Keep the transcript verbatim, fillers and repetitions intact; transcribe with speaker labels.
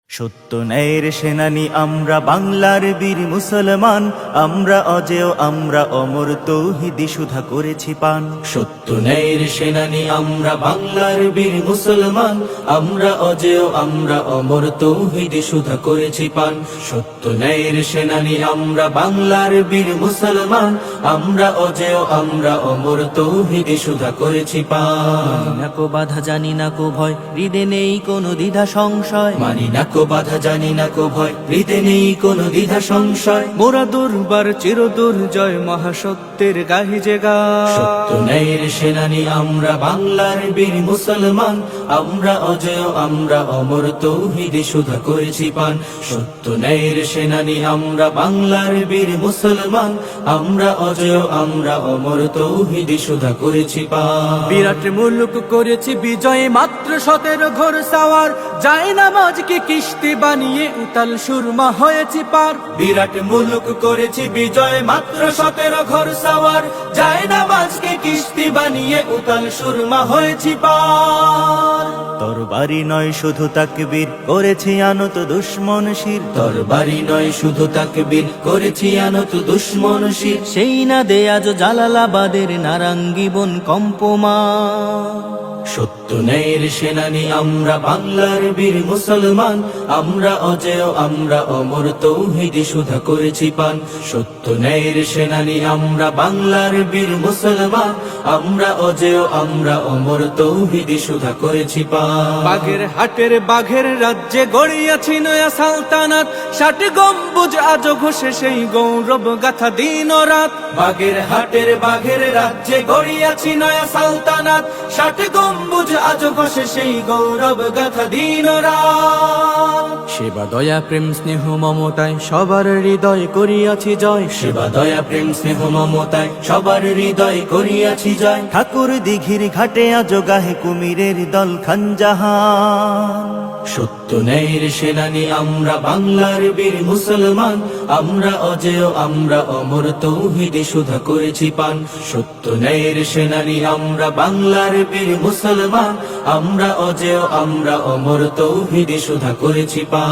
Speaker 1: সত্য ন্যায়ের সেনানী আমরা বাংলার বীর মুসলমান, আমরা অজেয় আমরা অমর তৌহিদি সুধা করেছি পান।
Speaker 2: সত্য ন্যায়ের সেনানী আমরা বাংলার বীর মুসলমান, আমরা অজেয় আমরা অমর তৌহিদি সুধা করেছি পান। সত্য ন্যায়ের সেনানী আমরা বাংলার বীর মুসলমান, আমরা অজেয় আমরা অমর তৌহিদি সুধা করেছি পান।
Speaker 1: না কো বাধা জানি না কো ভয়, হৃদে নেই কোনো দ্বিধা সংশয়।
Speaker 2: মানি না কো বাধা জানি না কো ভয়, হৃদে নেই কোনো দ্বিধা সংশয়।
Speaker 1: মোরা দুর্বার চির দুর্জয় মহাসত্যের গাহি যে গায়।
Speaker 2: সত্য ন্যায়ের সেনানী আমরা বাংলার বীর মুসলমান, আমরা অজেয় আমরা অমর তৌহিদি সুধা করেছি পান। সত্য ন্যায়ের সেনানী আমরা বাংলার বীর মুসলমান, আমরা অজেয় আমরা অমর তৌহিদি সুধা করেছি পান।
Speaker 1: বিরাট মুলুক করেছি বিজয় মাত্র সতেরো ঘোর সাওয়ার, যায় নামাজকে কিস্তি বানিয়ে উতাল সুরমা হয়েছি পার।
Speaker 2: বিরাট মুলুক করেছি বিজয় মাত্র সতেরো ঘর সাওয়ার, যায় নামাজকে কিস্তি বানিয়ে উতাল সুরমা হয়েছি পার।
Speaker 1: তরবারি নয় শুধু তাকবীর করেছি আনত দুশ্মন শির।
Speaker 2: তরবারি নয় শুধু তাকবীর করেছি আনত দুশ্মন শির।
Speaker 1: সেই না দে আজ জালালাবাদের নারাঙ্গি বন কম্পমা।
Speaker 2: সত্য ন্যায়ের সেনানী আমরা বাংলার বীর মুসলমান, আমরা অজেয় আমরা অমর তৌহিদি সুধা করেছি পান। সত্য ন্যায়ের সেনানী আমরা বাংলার বীর মুসলমান, আমরা অজেয় আমরা অমর তৌহিদি সুধা করেছি পান।
Speaker 1: বাঘের হাটের বাঘের রাজ্যে গড়িয়াছি নয়া সালতানাত, ষাট গম্বুজ আজ ঘষে সেই গৌরব গাথা দিন ও রাত।
Speaker 2: বাঘের হাটের বাঘের রাজ্যে গড়িয়াছি নয়া সালতানাত, ষাট গম্বুজ আজ ঘষে সেই গৌরব গাথা দিন ও রাত।
Speaker 1: সেবা দয়া প্রেম স্নেহ মমতায় সবার হৃদয় করিয়াছি জয়।
Speaker 2: সেবা দয়া প্রেম স্নেহ মমতায় সবার হৃদয় করিয়াছি জয়।
Speaker 1: ঠাকুর দিঘির ঘাটে আজ গাহে কুমিরের দল খানজাহান।
Speaker 2: সত্য ন্যায়ের সেনানী আমরা বাংলার বীর মুসলমান, আমরা অজেয় আমরা অমর তৌহিদি সুধা করেছি পান। সত্য ন্যায়ের সেনানী আমরা বাংলার বীর মুসলমান, আমরা অজেয় আমরা অমর তৌহিদি সুধা করেছি পান।